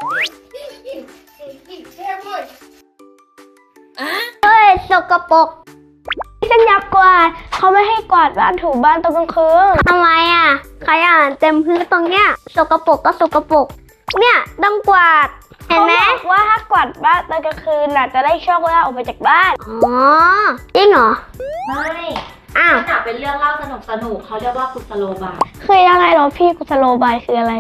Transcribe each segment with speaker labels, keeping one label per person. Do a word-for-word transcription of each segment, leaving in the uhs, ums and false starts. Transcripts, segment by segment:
Speaker 1: เฮ้ยสกปรกฉันอยากกวาดเขาไม่ให้กวาดบ้านถูบ้านตอนกลางคืนทำไมอ่ะขยะเต็มพื้นตรงเนี้ยสกปรกก็สกปรกเนี่ยต้องกวาดเห็นไหมว่าถ้ากวาดบ้านตอนกลางคืนน่ะจะได้โชคลาภออกไปจากบ้านอ๋อจริงเหรอ
Speaker 2: ไม่
Speaker 1: อ้าว
Speaker 2: น่ะเป็นเรื่องเล่าสนุกสนุกเขาเรียกว่ากุศโลบาย
Speaker 1: คือยังไงเหรอพี่กุศโลบายคืออะไร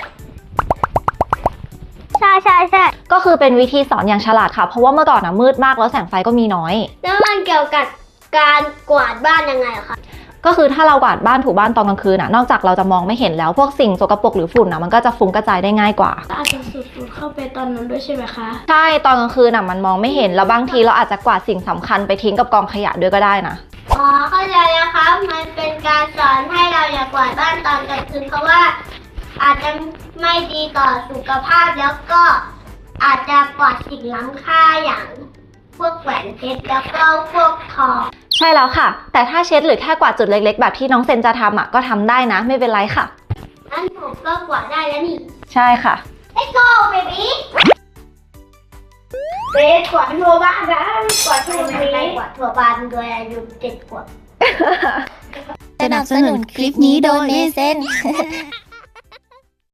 Speaker 1: ใช่ใช่ใช่
Speaker 2: ก็คือเป็นวิธีสอนอย่างฉลาดค่ะเพราะว่าเมื่อก่อนนะมืดมากแล้วแสงไฟก็มีน้อย
Speaker 1: แล้วมันเกี่ยวกับการกวาดบ้านยังไงอะคะ
Speaker 2: ก็คือถ้าเรากวาดบ้านถูบ้านตอนกลางคืนน่ะนอกจากเราจะมองไม่เห็นแล้วพวกสิ่งสกปรกหรือฝุ่นน่ะมันก็จะฟุ้งกระจายได้ง่ายกว่า
Speaker 1: อาจจะสูดฝุ่นเข้าไปตอนนั้นด้วยใช่ไหมคะ
Speaker 2: ใช่ตอนกลางคืนน่ะมันมองไม่เห็นแล้วบางทีเราอาจจะกวาดสิ่งสำคัญไปทิ้งกับกองขยะด้วยก็ได้นะ
Speaker 1: อ๋อเข้าใจแล้วครับมันเป็นการสอนให้เราอย่ากวาดบ้านตอนกลางคืนเพราะว่าอาจจะไม่ดีต่อสุขภาพแล้วก็อาจจะปลอดสิ่งล้ำค่าอย่างพวกแหวนเพชรแล้วก็พวกทอง
Speaker 2: ใช่แล้วค่ะแต่ถ้าเช็ดหรือแค่กวาดจุดเล็กๆแบบที่น้องเซนจะทำอ่ะก็ทำได้นะไม่เป็นไรค่ะ
Speaker 1: งั้นผมก็กวาดได้แล้วนี่
Speaker 2: ใช่ค่ะ
Speaker 1: Let's go baby เบสกวาดทั่วบ้านนะกวาดทั่วบ้านกวาดทั่วบ้านโดยอายุเจ็ดขวบ
Speaker 3: สนับสนุนคลิปนี้โดยเมเซน